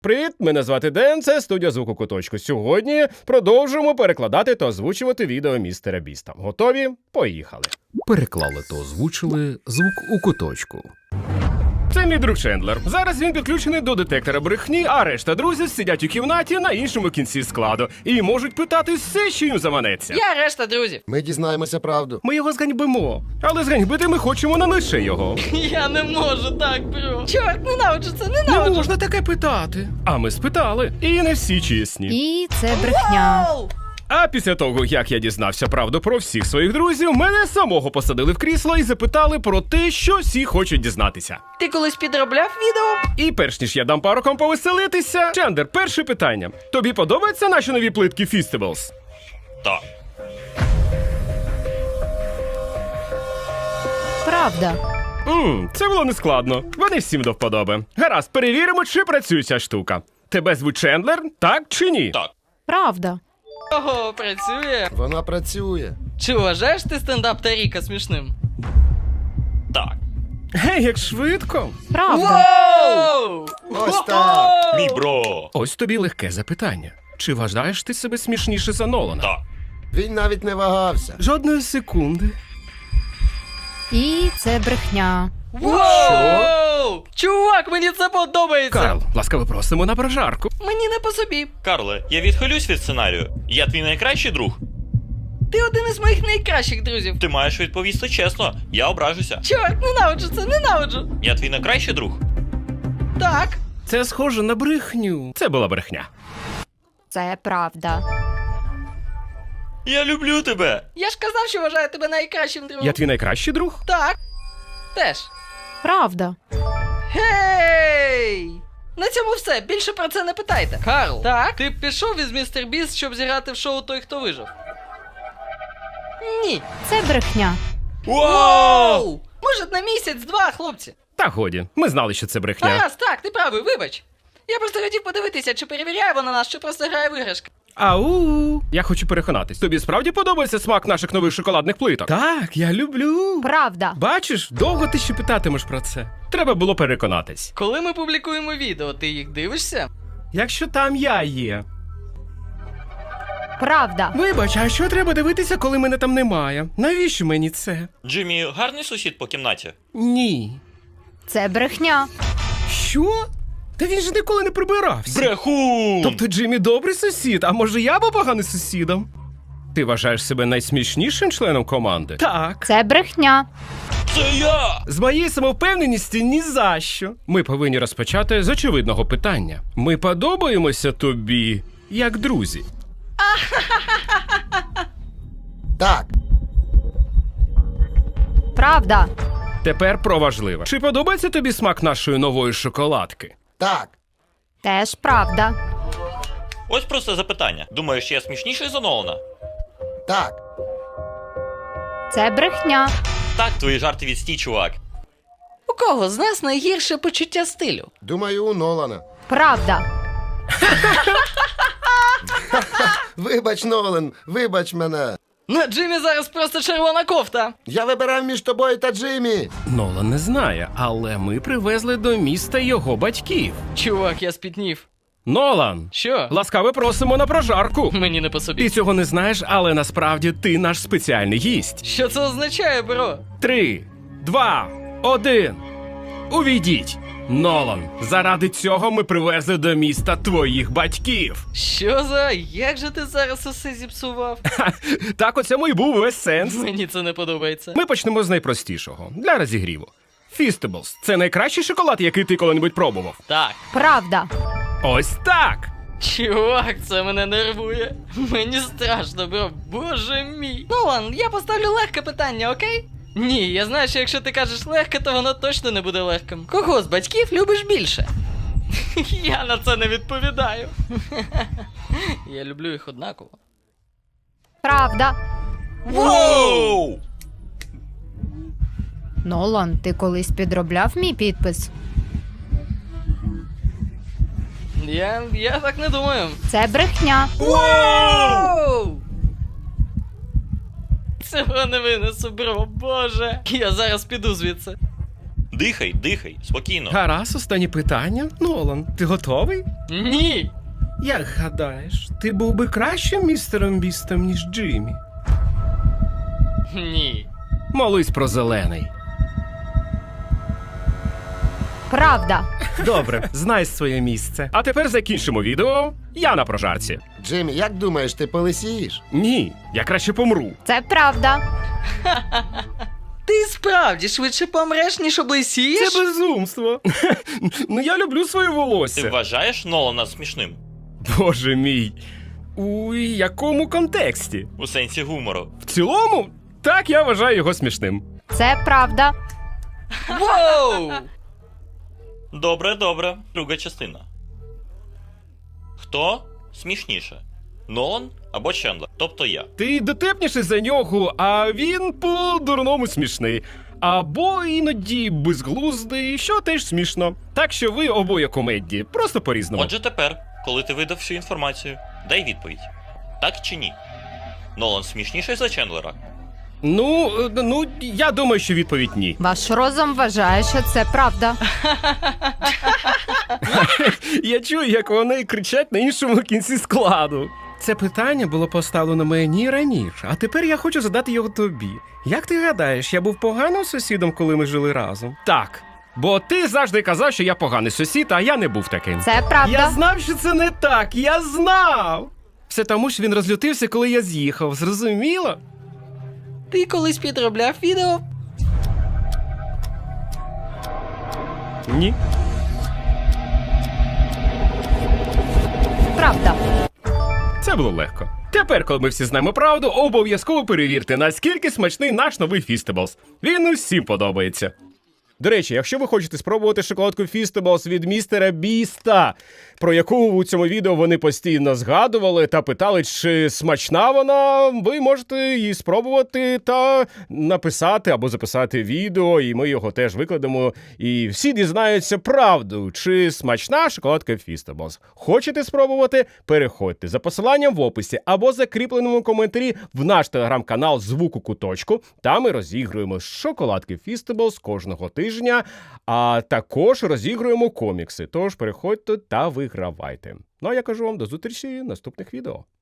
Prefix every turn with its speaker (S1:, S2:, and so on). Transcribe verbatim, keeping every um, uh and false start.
S1: Привіт, мене звати Ден, це студія «Звук у куточку». Сьогодні продовжуємо перекладати та озвучувати відео містера Біста. Готові? Поїхали.
S2: Переклали та озвучили «Звук у куточку».
S1: Це мій друг Чендлер. Зараз він підключений до детектора брехні, а решта друзів сидять у кімнаті на іншому кінці складу і можуть питати все, що їм заманеться.
S3: Я решта друзів.
S4: Ми дізнаємося правду.
S1: Ми його зганьбимо, але зганьбити ми хочемо не лише його.
S3: Я не можу так, бро. Чорт, ненавиджу це,
S1: Не
S3: ненавиджу.
S1: можна таке питати. А ми спитали, і не всі чесні.
S5: І це брехня.
S3: Оу!
S1: А після того, як я дізнався правду про всіх своїх друзів, мене самого посадили в крісло і запитали про те, що всі хочуть дізнатися.
S3: Ти колись підробляв відео?
S1: І перш ніж я дам парокам повеселитися, Чендер, перше питання. Тобі подобаються наші нові плитки Feastables?
S6: Так.
S5: Правда.
S1: Ммм, це було нескладно. Вони всім до вподоби. Гаразд, перевіримо, чи працює ця штука. Тебе звуть Чендлер, так чи ні?
S6: Так.
S5: Правда.
S3: Ого, працює.
S4: Вона працює.
S3: Чи вважаєш ти стендап Таріка смішним?
S6: Так.
S1: Гей, як швидко.
S5: Правда.
S3: Воу!
S4: Ось так.
S6: Мій бро.
S1: Ось тобі легке запитання. Чи вважаєш ти себе смішніше за Нолана?
S6: Так.
S4: Він навіть не вагався.
S1: Жодної секунди.
S5: І це брехня.
S3: Воу! Чувак, мені це подобається.
S1: Карл, ласкаво просимо на прожарку.
S3: Мені не по собі.
S6: Карле, я відхилюсь від сценарію. Я твій найкращий друг.
S3: Ти один із моїх найкращих друзів.
S6: Ти маєш відповісти чесно. Я ображуся.
S3: Чорт, ненавиджу це, ненавиджу.
S6: Я твій найкращий друг.
S3: Так.
S1: Це схоже на брехню. Це була брехня.
S5: Це правда.
S6: Я люблю тебе.
S3: Я ж казав, що вважаю тебе найкращим другом.
S1: Я твій найкращий друг?
S3: Так. Теж.
S5: Правда.
S3: Гей! На цьому все. Більше про це не питайте. Карл, так? Ти пішов із містер Біст, щоб зіграти в шоу «Той, хто вижив»? Ні.
S5: Це брехня.
S3: Воу! Може, на місяць-два, хлопці.
S1: Та годі, ми знали, що це брехня.
S3: Гаразд, так, ти правий, вибач. Я просто хотів подивитися, чи перевіряє вона нас, чи просто грає в іграшки.
S1: Ау! Я хочу переконатись. Тобі справді подобається смак наших нових шоколадних плиток? Так, я люблю.
S5: Правда.
S1: Бачиш, довго ти ще питатимеш про це. Треба було переконатись.
S3: Коли ми публікуємо відео, ти їх дивишся?
S1: Якщо там я є.
S5: Правда.
S1: Вибач, а що треба дивитися, коли мене там немає? Навіщо мені це?
S6: Джиммі гарний сусід по кімнаті.
S1: Ні.
S5: Це брехня.
S1: Що? Та він же ніколи не прибирався.
S6: Брехун!
S1: Тобто Джиммі добрий сусід, а може я був поганий сусідом? Ти вважаєш себе найсмішнішим членом команди? Так.
S5: Це брехня.
S6: Це я!
S1: З моєї самовпевненості ні за що. Ми повинні розпочати з очевидного питання. Ми подобаємося тобі як друзі?
S4: Так.
S5: Правда.
S1: Тепер про важливе. Чи подобається тобі смак нашої нової шоколадки?
S4: Так.
S5: Теж правда.
S6: Ось просто запитання. Думаєш, я смішніший за Нолана?
S4: Так.
S5: Це брехня.
S6: Так, твої жарти відстій, чувак.
S3: У кого з нас найгірше почуття стилю?
S4: Думаю, у Нолана.
S5: Правда.
S4: Вибач, Нолан, вибач мене.
S3: На Джиммі зараз просто червона кофта.
S4: Я вибирав між тобою та Джиммі.
S1: Нолан не знає, але ми привезли до міста його батьків.
S3: Чувак, я спітнів.
S1: Нолан!
S3: Що?
S1: Ласкаво просимо на прожарку.
S3: Мені не по собі.
S1: Ти цього не знаєш, але насправді ти наш спеціальний гість.
S3: Що це означає, бро?
S1: Три, два, один. Увійдіть. Нолан, заради цього ми привезли до міста твоїх батьків.
S3: Що за? Як же ти зараз усе зіпсував?
S1: Так у цьому і був весь сенс.
S3: Мені це не подобається.
S1: Ми почнемо з найпростішого, для розігріву. Feastables – це найкращий шоколад, який ти коли-небудь пробував.
S3: Так.
S5: Правда.
S1: Ось так!
S3: Чувак, це мене нервує. Мені страшно, бро. Боже мій. Нолан, я поставлю легке питання, окей? Ні, я знаю, що якщо ти кажеш легке, то воно точно не буде легким. Кого з батьків любиш більше? Я на це не відповідаю. Я люблю їх однаково.
S5: Правда.
S6: Воу!
S5: Нолан, ти колись підробляв мій підпис?
S3: Я, я так не думаю.
S5: Це брехня.
S3: Воу! Цього не винесу, бро, боже. Я зараз піду звідси.
S6: Дихай, дихай, спокійно.
S1: Гаразд, останнє питання. Нолан, ти готовий?
S3: Ні.
S1: Як гадаєш, ти був би кращим містером Бістом, ніж Джиммі?
S3: Ні.
S1: Молись про зелений.
S5: Правда.
S1: Добре, знай своє місце. А тепер закінчимо відео. Я на прожарці.
S4: Джиммі, як думаєш, ти полисієш?
S1: Ні, я краще помру.
S5: Це правда.
S3: Ти справді швидше помреш, ніж облисієш?
S1: Це безумство. Ну я люблю своє
S6: Ти
S1: волосся.
S6: вважаєш Нолана смішним?
S1: Боже мій. У якому контексті?
S6: У сенсі гумору.
S1: В цілому, так я вважаю його смішним.
S5: Це правда.
S3: Воу!
S6: Добре, добре. Друга частина. Хто смішніше? Нолан або Чендлер? Тобто я.
S1: Ти дотепніший за нього, а він по-дурному смішний. Або іноді безглуздий, що теж смішно. Так що ви обоє комедії, просто по-різному.
S6: Отже тепер, коли ти видав всю інформацію, дай відповідь. Так чи ні? Нолан смішніший за Чендлера?
S1: Ну, е, ну, я думаю, що відповідь ні.
S5: Ваш розум вважає, що це правда.
S1: Я чую, як вони кричать на іншому кінці складу. Це питання було поставлено мені раніше, а тепер я хочу задати його тобі. Як ти гадаєш, я був поганим сусідом, коли ми жили разом? Так. Бо ти завжди казав, що я поганий сусід, а я не був таким.
S5: Це правда.
S1: Я знав, що це не так, я знав! Все тому, що він розлютився, коли я з'їхав, зрозуміло?
S3: Ти колись підробляв відео?
S1: Ні.
S5: Правда.
S1: Це було легко. Тепер, коли ми всі знаємо правду, обов'язково перевірте, наскільки смачний наш новий Фістеблс. Він усім подобається. До речі, якщо ви хочете спробувати шоколадку Фістеблс від містера Біста, про яку у цьому відео вони постійно згадували та питали, чи смачна вона, ви можете її спробувати та написати або записати відео, і ми його теж викладемо, і всі дізнаються правду, чи смачна шоколадка Фістеблс. Хочете спробувати? Переходьте за посиланням в описі або закріпленому коментарі в наш телеграм-канал «Звук у куточку». Там ми розігруємо шоколадки Фістеблс кожного тижня, а також розігруємо комікси. Тож переходьте та вигравайте. Ну а я кажу вам до зустрічі в наступних відео.